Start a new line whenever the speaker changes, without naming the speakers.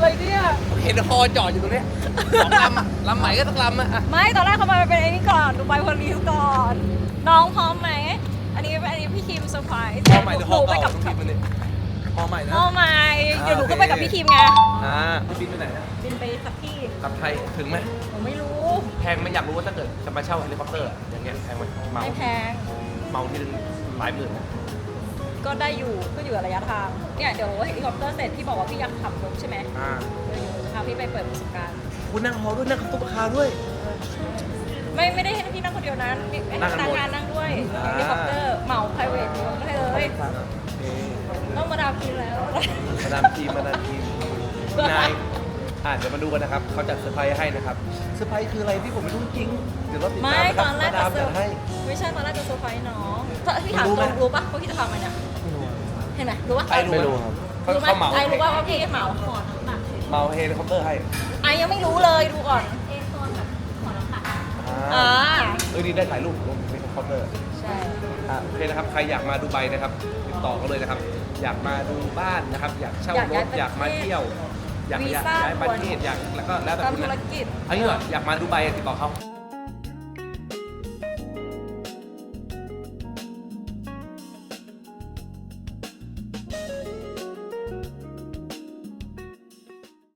เลยเนี่ย
เห็นฮอจอดอยู่ตรงนี้สองลำอะลำใหม่ก็ต้องลำอะ
ไม่ตอนแรกเขามาเป็นไอ้นี่ก่อนดูไบพลีสก่อน น้องพร้อมไหมอันนี้พี่คิมเซอร์ไพรส์
ฮอใหม่หรือฮอ
ไป
เก่า
กับ
ต้องกินมันนี่ฮอใหม่นะ
ฮอใหม่เดี๋ยวหนูก็ไปกับพี่คิมไง
พี่บินไปไหนอะ
บินไปสักที่
กลับไทยถึงไหม
หนูไม่รู้
แพงไหมอยากรู้ว่าถ้าเกิดจะมาเช่าเฮลิคอปเตอร์อะอย่างเงี้ยแพงไหมเมา
ไม่แพง
เมาทีนึงหลายหมื่นนะ
ก็ได้อยู่ก็อยู่กับระยะทางเนี่ยเดี๋ยวเฮลิคอปเตอร์เสร็จพี่บอกว่าพี่อยากขับรถใช่ไหมเดี๋ยวจะพาพี่ไปเปิดประสบการณ์
คุณนั่งฮอด้วยนั่งตุ๊กคาด้วย
ไม่ได้ให้พี่นั่งคนเดียวนะมีให้
นั่
พ
งกั
นั
น
ก
หมด
งานนั่งด้วย
อ่า
เฮลิคอปเตอร์เหมา private ยกให้เลยต้องมาดามกินแล้ว
มาดามทีมนายเดี๋ยวมาดูกันนะครับเขาจัดเซอร์ไพรส์ให้นะครับเซอร์ไพรส์คืออะไรพี่ผมไม่รู้จริงเดี๋ยวเราติด
ไม่
ตามนะค
ต
รั
อบ นแรก
มาดาม
จะ
จัดให้
ไม่ใช่ตอนแรกจะเซอร์ไพรส์น้องพี่ถาม
รู้
ต
ไหม
รงรู้ปะว่าพี่จะทำอะไรเนี่ยเห็นไหมรู้ปะ
ไอ้รู้ครับเขา
รู้ไหม
เขาเหมา
ไอรู้ว่าพี่เหมา
เมาเฮลิคอปเตอร์ให้
ไอยังไม่รู้เลยดูก่อน
อ่า
อ่า
ดีได้ถ่ายรูปลงเฮลิคอปเตอร์
ใช่
โอเคนะครับใครอยากมาดูไบนะครับติดต่อเขาเลยนะครับ อยากมาดูบ้านนะครับ อยากเช่ารถอยากมาเที่ยว อยากย้ายประเทศอยากแล้วก็แล้วแต่
ตาม
คุณ
ธุร
นะ
กิจ
อันนี้เหรออยากมาดูไบติดต่อเขา